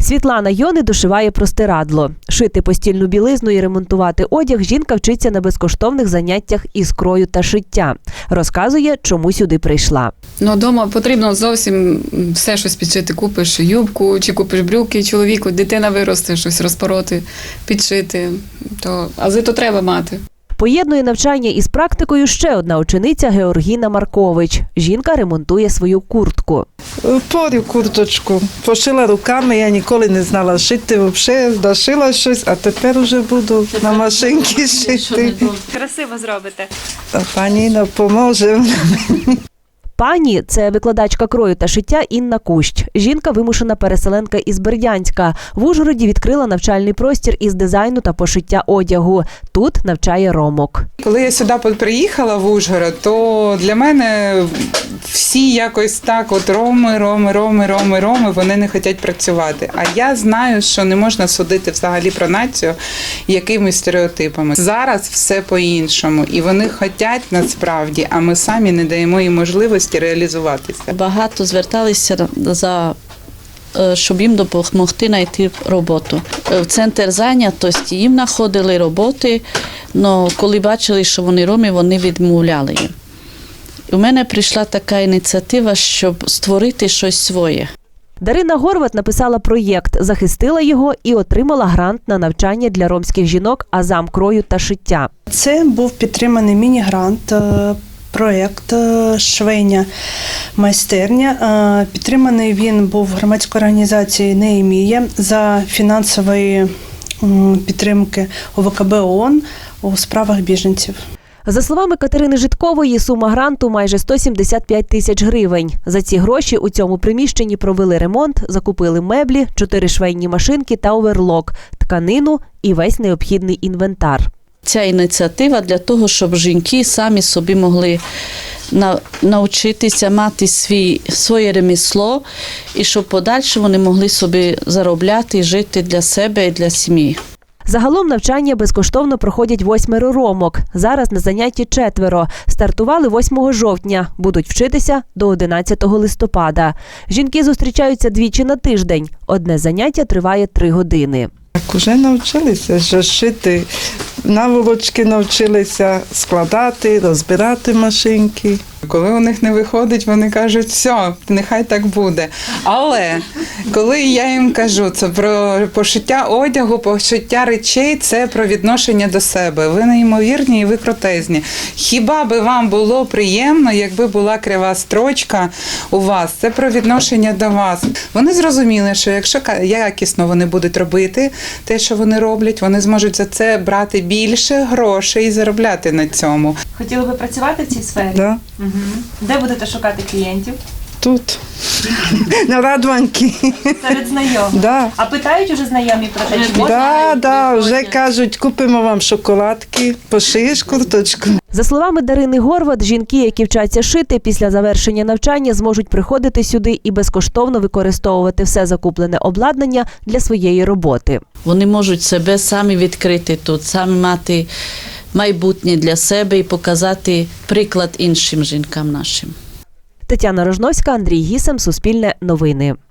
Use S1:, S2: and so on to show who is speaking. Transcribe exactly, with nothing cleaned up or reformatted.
S1: Світлана Йони дошиває простирадло. Шити постільну білизну і ремонтувати одяг жінка вчиться на безкоштовних заняттях із крою та шиття. Розказує, чому сюди прийшла.
S2: Ну, вдома потрібно зовсім все щось підшити. Купиш юбку, чи купиш брюки чоловіку, дитина виросте, щось розпороти, підшити. То, ази то треба мати.
S1: Поєднує навчання із практикою ще одна учениця Георгіна Маркович. Жінка ремонтує свою куртку.
S3: Порю курточку. Пошила руками, я ніколи не знала шити, взагалі дошила щось, а тепер вже буду на машинці шити.
S4: Красиво зробите.
S3: А пані допоможе.
S1: Пані – це викладачка крою та шиття Інна Кущ. Жінка – вимушена переселенка із Бердянська. В Ужгороді відкрила навчальний простір із дизайну та пошиття одягу. Тут навчає ромок.
S5: Коли я сюди приїхала в Ужгород, то для мене всі якось так, от роми, роми, роми, роми, роми, вони не хочуть працювати. А я знаю, що не можна судити взагалі про націю якимись стереотипами. Зараз все по-іншому. І вони хочуть насправді, а ми самі не даємо їм можливості реалізуватися.
S6: Багато зверталися за щоб їм допомогти знайти роботу. В центр зайнятості їм знаходили роботи, але коли бачили, що вони роми, вони відмовляли їм. У мене прийшла така ініціатива, щоб створити щось своє.
S1: Дарина Горват написала проєкт, захистила його і отримала грант на навчання для ромських жінок азам крою та шиття.
S7: Це був підтриманий міні-грант, проєкт «Швейня майстерня». Підтриманий він був громадською організацією «Неємія» за фінансової підтримки У В К Б ООН у справах біженців.
S1: За словами Катерини Житкової, сума гранту майже сто сімдесят п'ять тисяч гривень. За ці гроші у цьому приміщенні провели ремонт, закупили меблі, чотири швейні машинки та оверлок, тканину і весь необхідний інвентар.
S6: Ця ініціатива для того, щоб жінки самі собі могли навчитися мати свій, своє ремесло і щоб подальше вони могли собі заробляти і жити для себе і для сім'ї.
S1: Загалом навчання безкоштовно проходять восьмеро ромок. Зараз на занятті четверо. Стартували восьмого жовтня. Будуть вчитися до одинадцятого листопада. Жінки зустрічаються двічі на тиждень. Одне заняття триває три години.
S3: Так уже навчилися що шити, наволочки навчилися складати, розбирати машинки.
S5: Коли у них не виходить, вони кажуть, все, нехай так буде. Але коли я їм кажу, це про пошиття одягу, пошиття речей, це про відношення до себе. Ви неймовірні і ви крутезні. Хіба би вам було приємно, якби була крива строчка у вас? Це про відношення до вас. Вони зрозуміли, що якщо якісно вони будуть робити те, що вони роблять, вони зможуть за це брати більше грошей і заробляти на цьому.
S4: Хотіли би працювати в цій сфері?
S3: Да.
S4: Угу. Де будете шукати клієнтів?
S3: Тут, на Радванці.
S4: Серед знайомих?
S3: Да.
S4: А питають уже знайомі про те, чи можна?
S3: Да, да, вже кажуть, купимо вам шоколадки, пошиєш курточку.
S1: За словами Дарини Горват, жінки, які вчаться шити, після завершення навчання зможуть приходити сюди і безкоштовно використовувати все закуплене обладнання для своєї роботи.
S6: Вони можуть себе самі відкрити тут, самі мати майбутнє для себе і показати приклад іншим жінкам нашим.
S1: Тетяна Рожновська, Андрій Гісем, Суспільне новини.